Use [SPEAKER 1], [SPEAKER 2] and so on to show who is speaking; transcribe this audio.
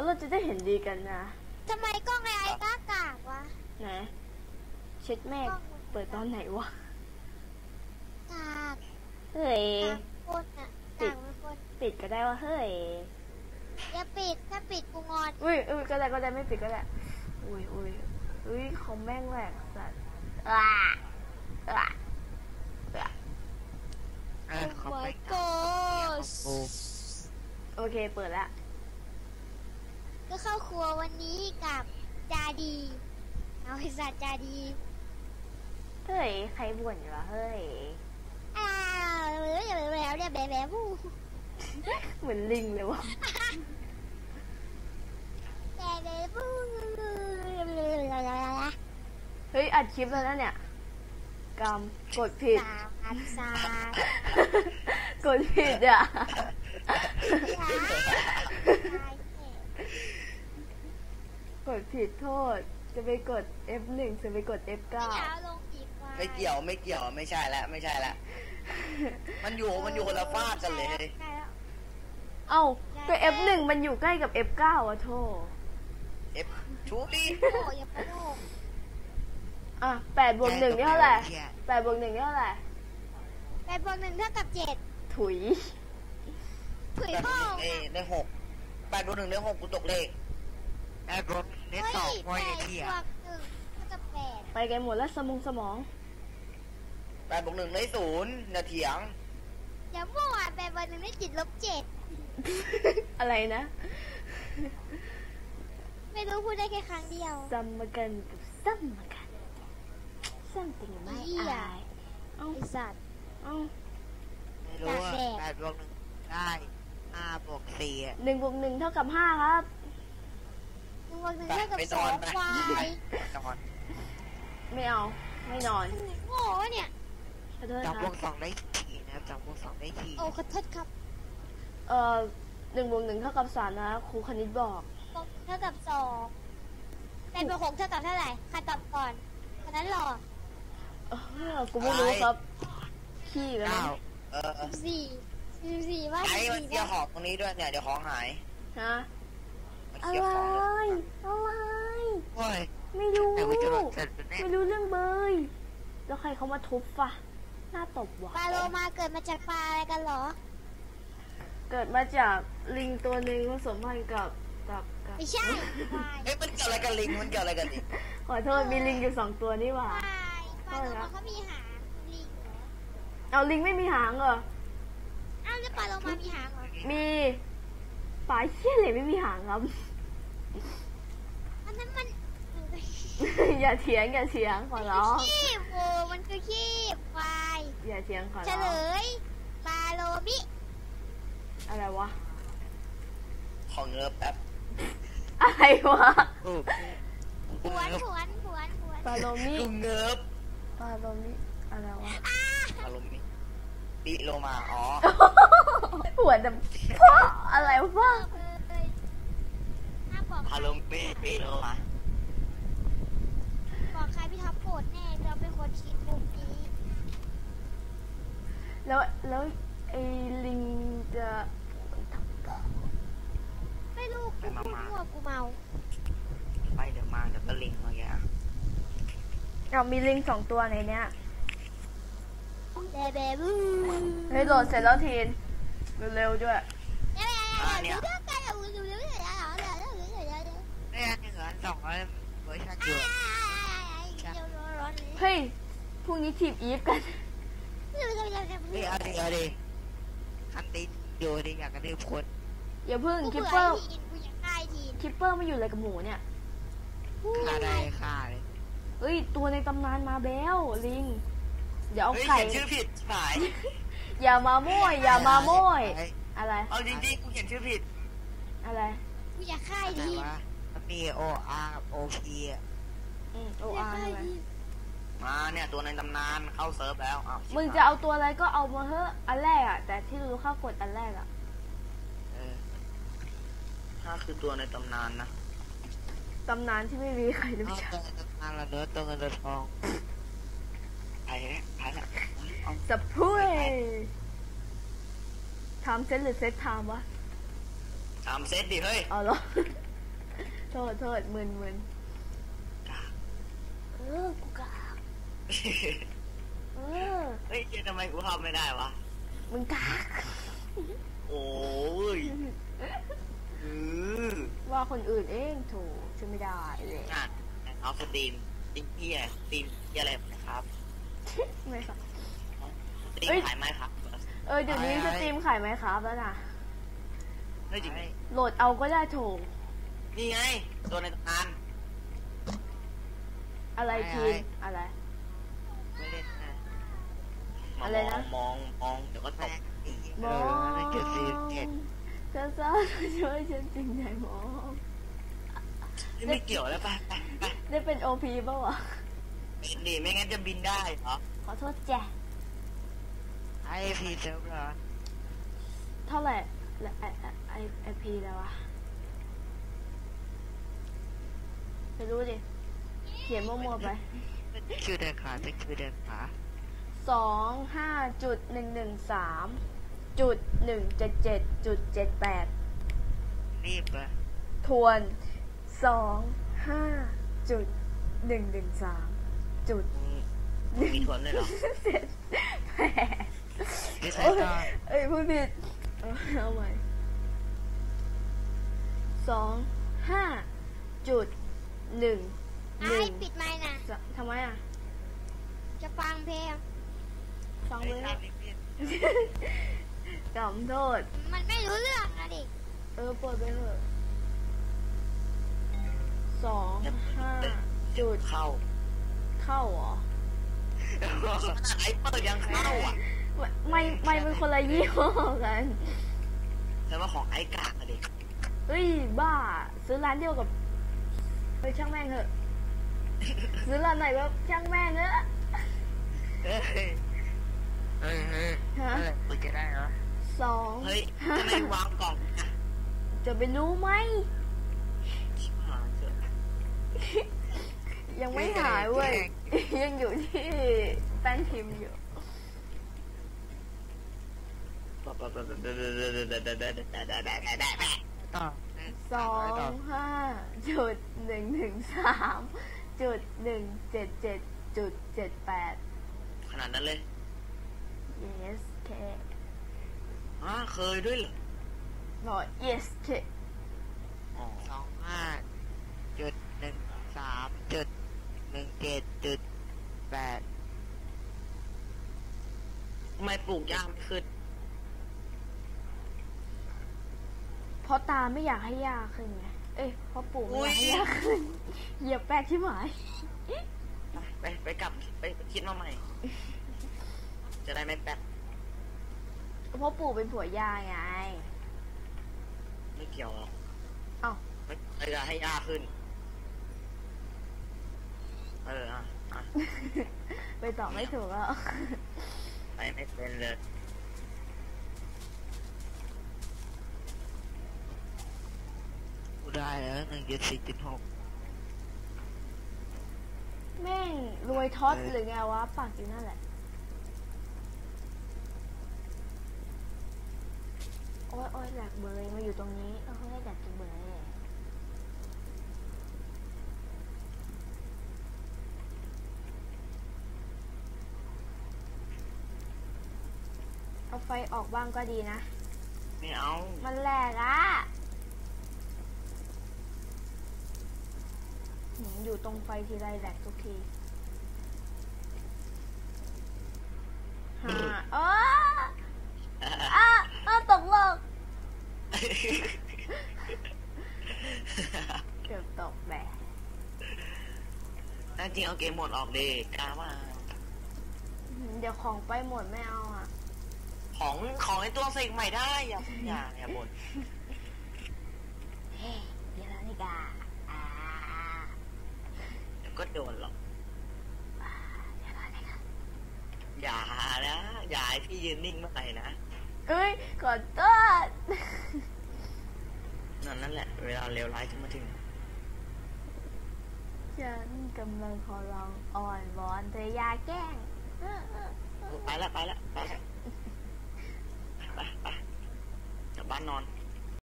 [SPEAKER 1] เราจะได้เห็นดีกันนะ
[SPEAKER 2] ทำไมกล้องไอ้กากากวะ
[SPEAKER 1] ไหนเช็ดแม่เปิดตอนไหนวะ
[SPEAKER 2] กาก
[SPEAKER 1] เฮ้ยปิดก็ได้ว่าเฮ้ย
[SPEAKER 2] อย่าปิดถ้าปิดกูงอน
[SPEAKER 1] อุ้ยก็ได้ไม่ปิดก็ได้อุ้ยของแม่งแหลกสัตว์โอเคเปิดแล้ว
[SPEAKER 2] ก็เข้าครัววันนี้กับจาดีเอาไอ้สัตว์จาดี
[SPEAKER 1] เฮ้ยใครบ่นอยู่วะเฮ้ย
[SPEAKER 2] แล้วเนี่ยแบ๊บู
[SPEAKER 1] เหมือนลิงเลยวะ
[SPEAKER 2] แบ๊บู
[SPEAKER 1] เฮ้ยอัดคลิปแล้วนะเนี่ยกำกดผิดกดผิดอ่ะกดผิดโทษจะไปกด F1 จะไปกด F9
[SPEAKER 3] ไม่เกี่ยวไม่ใช่แล้วมันอยู่คนละฟากกันเลย
[SPEAKER 1] เอ้าก็ F1 มันอยู่ใกล้กับ F9 อ่ะโทษ
[SPEAKER 3] F ชูดิ
[SPEAKER 1] อ่ะ8 บวก 1เท่าไหร่8 บวก 1เท่าไหร่
[SPEAKER 2] 8 บวก 1เท่ากับ7
[SPEAKER 1] ถุย
[SPEAKER 3] พ่อได้6 8 บวก 1ได้6กูตกเลข8 บวก 1ได้2พอยเที่ย
[SPEAKER 1] ไปกันหมดแล้วสมอง
[SPEAKER 3] 8 บวก 1ได้0อย่าเถียง
[SPEAKER 2] อย่ามั่ว8 บวก 1ได้
[SPEAKER 1] 7 อะไรนะ
[SPEAKER 2] ไม่รู้พูดได้แค่ครั้งเดียว
[SPEAKER 1] ซ้ำมากันกับซ้ำมากันซ้ำติงไม่อาย
[SPEAKER 2] ไอ้สัตว์
[SPEAKER 3] ไม่รู้ว่า8 บวก 1ได้5 บวก 4
[SPEAKER 1] 1 บวก 1เท่ากับ5ครับ
[SPEAKER 2] 1 บวก 1เท่ากับ2ควาย
[SPEAKER 1] ไม่เอาไม่นอน
[SPEAKER 2] โง่เนี่ย
[SPEAKER 3] จับบวก 2ได้4นะจับบวก 2ได้4
[SPEAKER 2] โอ้ขอโทษครับ
[SPEAKER 1] 1 บวก 1เท่ากับ3นะครูคณิตบอก
[SPEAKER 2] เท่ากับ28 บวก 6เท่ากับเท่าไหร่ใครตอบก่อนคนนั้นหรอ
[SPEAKER 1] กูไม่รู้ครับขี้กัน
[SPEAKER 2] 14ว่า
[SPEAKER 3] ไอ้มันเกี่ยวของตรงนี้ด้วยเนี่ยเดี๋ยวของหาย
[SPEAKER 1] ฮะอะไรไม่รู้เรื่องเบยแล้วใครเขามาทุบฟะหน้าตบวะ
[SPEAKER 2] ปลาโลมาเกิดมาจากปลาอะไรกันหรอ
[SPEAKER 1] เกิดมาจากลิงตัวหนึ่งผสมพันธุ์กับ
[SPEAKER 2] ไม่ใช่
[SPEAKER 3] มันเกี่ยวอะไรกับลิง
[SPEAKER 1] ขอโทษมีลิงอยู่2ตัวนี่หว่า
[SPEAKER 2] ปลาโลมาเขามีหางลิงเหรอ
[SPEAKER 1] เอาลิงไม่มีหางเหรอ
[SPEAKER 2] อ้าวแล้วปลาโลมามีหางเหรอ
[SPEAKER 1] มีปลาเชี่ยเลยไม่มีหางครับ
[SPEAKER 2] อันนั้นมัน
[SPEAKER 1] อย่าเถียงขอร้อง
[SPEAKER 2] ขี้โวมันคือขี้ควาย
[SPEAKER 1] อย่าเถียงขอร้อง
[SPEAKER 2] เฉลยปลาโลมิ
[SPEAKER 1] อะไรวะ
[SPEAKER 3] ของเงือบแป๊บ
[SPEAKER 1] อะไรวะ
[SPEAKER 2] ผวน
[SPEAKER 1] ปลาโลมิ
[SPEAKER 3] เงือบ
[SPEAKER 1] ปลาโลมิอะไรวะ
[SPEAKER 3] ปลาโลมิปิโลมาอ๋อ
[SPEAKER 1] หัวดำพ่ออะไรวะ
[SPEAKER 3] ปลาโลมิปิโลมา
[SPEAKER 2] บอกใครพี่ท็อปโกรธแน่เราเป็นคนคิดมุมนี้
[SPEAKER 1] แล้วไอ้ลิงจะ
[SPEAKER 2] ไม่รู้กูมั่วกูเมา
[SPEAKER 3] ไปเดี๋ยวมาเดี๋ยวก็ลิงอะไรอย่าง
[SPEAKER 1] มีลิง2ตัวในเนี้ย
[SPEAKER 2] เบบู
[SPEAKER 1] เฮ้ยโหลดเสร็จแล้วทีนเร็วๆด้วย
[SPEAKER 3] เนี่ยเนี่ย1 2เวอร์ชันอยู่
[SPEAKER 1] เฮ้ยพรุ่งนี้ทีมอีฟกัน
[SPEAKER 3] เอาดิคันตินอยู่ดิอยากกระทืบคน
[SPEAKER 1] อย่าเพิ่งคิปเปอร์ไม่อยู่อะไรกับหมูเนี่ย
[SPEAKER 3] ฆ่าเลย
[SPEAKER 1] เฮ้ยตัวในตำนานมาแล้วลิงเดี๋ยวเอาไข่
[SPEAKER 3] ชื่อผิดสาย
[SPEAKER 1] อย่ามาโม้ยอะไร
[SPEAKER 3] เอาจริงๆกูเขียนชื่อผิด
[SPEAKER 1] อะไร
[SPEAKER 2] กูอยากฆ่าที
[SPEAKER 3] มี OR กับ OP
[SPEAKER 1] OR อะไร
[SPEAKER 3] มาเนี่ยตัวในตำนานเข้าเซิร์ฟแล้ว
[SPEAKER 1] มึงจะเอาตัวอะไรก็เอามาเถอะอันแรกอ่ะแต่ที่รู้ข้ากดอันแรกอ่ะ
[SPEAKER 3] ถ้าคือตัวในตำนานนะ
[SPEAKER 1] ตำนานที่ไม่มีใครรู้จัก
[SPEAKER 3] ตำนานละเนื้อตัวเงินตัวทองไปแล้ว
[SPEAKER 1] สับพุ้ยทำเซตหรือเซตไทม์วะ
[SPEAKER 3] ทำเซตดิเฮ้ย
[SPEAKER 1] เอาเหรอโทษมึนกูกากเ
[SPEAKER 3] ฮ้ยทำไมกูทำไม่ได้วะ
[SPEAKER 1] มึงกาก
[SPEAKER 3] โอ้ย
[SPEAKER 1] ว่าคนอื่นเองโถช่วยไม่ได้เลย
[SPEAKER 3] เอาสตรีมจริงพี่สตรีมอะไรนะครับ
[SPEAKER 1] ไม่ครับ
[SPEAKER 3] สตรีมขายไหมครับ
[SPEAKER 1] เดี๋ยวนี้สตรีมขายไหมครับแล้วนะ
[SPEAKER 3] ไม่จริง
[SPEAKER 1] โหลดเอาก็ได้โถ
[SPEAKER 3] นี่ไงตัวในตำนาน
[SPEAKER 1] อะไรทีอะไร
[SPEAKER 3] ไม่เล่นนะ
[SPEAKER 1] อะไรนะ
[SPEAKER 3] มองเดี๋ยวก็ตก
[SPEAKER 1] มองเกิดซีเห็ดซ่าช่วยฉันจริงใจมอง
[SPEAKER 3] ไม่เกี่ยวแล้วไป
[SPEAKER 1] ได้เป็นโอพีป่าวะ
[SPEAKER 3] ดีไม่งั้นจะบินได้เหรอ
[SPEAKER 1] ขอโทษแจ้
[SPEAKER 3] ไอพีเซิร์ฟเหรอ
[SPEAKER 1] เท่าไหร่ไอพีแล้ววะไม่รู้ดิเขียนมั่วๆไป
[SPEAKER 3] ชื่อเดินขาชื่อเดินขา
[SPEAKER 1] 25.113.177.78
[SPEAKER 3] รีบอะ
[SPEAKER 1] ทวน25.113จุด
[SPEAKER 3] มีทวนเลยเหรอ
[SPEAKER 1] เสร็จแปดพูดผิดเอาใหม่25.1
[SPEAKER 2] ปิดไมค์นะ
[SPEAKER 1] ทำไมอ่ะ
[SPEAKER 2] จะฟังเพลง
[SPEAKER 1] ฟังเลยจำโทษ
[SPEAKER 2] มันไม่รู้เรื่องนะดิ
[SPEAKER 1] เปิดไปเถอะ25จุด
[SPEAKER 3] เข้า
[SPEAKER 1] เหรอ
[SPEAKER 3] ไอเปิดยังเข้าอ่ะ
[SPEAKER 1] ไม่เป็นคนละยี่ห้อกัน
[SPEAKER 3] แต่ว่าของไอกากอะดิ
[SPEAKER 1] เฮ้ยบ้าซื้อร้านเดียวกับช่างแม่งเถอะซื้อร้านไหนก็ช่างแม่งเถอะ
[SPEAKER 3] ฮะเปิดจะได้เหรอเฮ้ยทำไมวางกล่อง
[SPEAKER 1] จะไปรู้ไหมยังไม่หายเว้ยยังอยู่ที่แป้นพิมพ์อยู่25.113.177.78
[SPEAKER 3] ขนาดนั้นเลย
[SPEAKER 1] yes เค
[SPEAKER 3] เคยด้วยเหรอ
[SPEAKER 1] หน่อย yes เค
[SPEAKER 3] 25.113.17.8ทำไมปลูกยากไม่ขึ้น
[SPEAKER 1] เพราะตาไม่อยากให้ยากขึ้นไงเพราะปู่ไม่อยากให้ยากขึ้นเหยียบแป๊กที่หมาย
[SPEAKER 3] ไปกลับไปคิดมาใหม่จะได้ไม่แป๊ก
[SPEAKER 1] เพราะปู่เป็นผัวยาไง
[SPEAKER 3] ไม่เกี่ยวหรอก
[SPEAKER 1] ไม่
[SPEAKER 3] อยากให้ยากขึ้น
[SPEAKER 1] ไปตอบไม่ถูกแล้ว
[SPEAKER 3] ไปไม่เป็นเลยกูได้แล้ว1.4.6
[SPEAKER 1] แม่งรวยท็อตหรือไงวะปากอยู่นั่นแหละโอ้ยแหลกเบยมาอยู่ตรงนี้เขาให้แหลกเบยเอาไฟออกบ้างก็ดีนะ
[SPEAKER 3] ไม่เอา
[SPEAKER 1] มันแหลกอ่ะอยู่ตรงไฟทีไรแหลกทุกทีตกโลกเกือบตกแบบ
[SPEAKER 3] นั่นจริงเอาเกมหมดออกดีกล้าว่า
[SPEAKER 1] เดี๋ยวของไปหมดไม่เอาอ่ะ
[SPEAKER 3] ของไอตัวเสกใหม่ได้อย่าบ่น
[SPEAKER 1] เฮ้ยเดี๋ยวนี่กา
[SPEAKER 3] เดี๋ยวก็โดนหรอกอย่านะอย่าให้พี่ยืนนิ่งเมื่อไหร่นะ
[SPEAKER 1] ขอโทษ
[SPEAKER 3] นั่นแหละเวลาเลวร้ายจะมาถึง
[SPEAKER 1] ฉันกำลังขอร้องอ่อนวอนเธออย่าแกล้ง
[SPEAKER 3] ไปละไปกลับบ้านนอน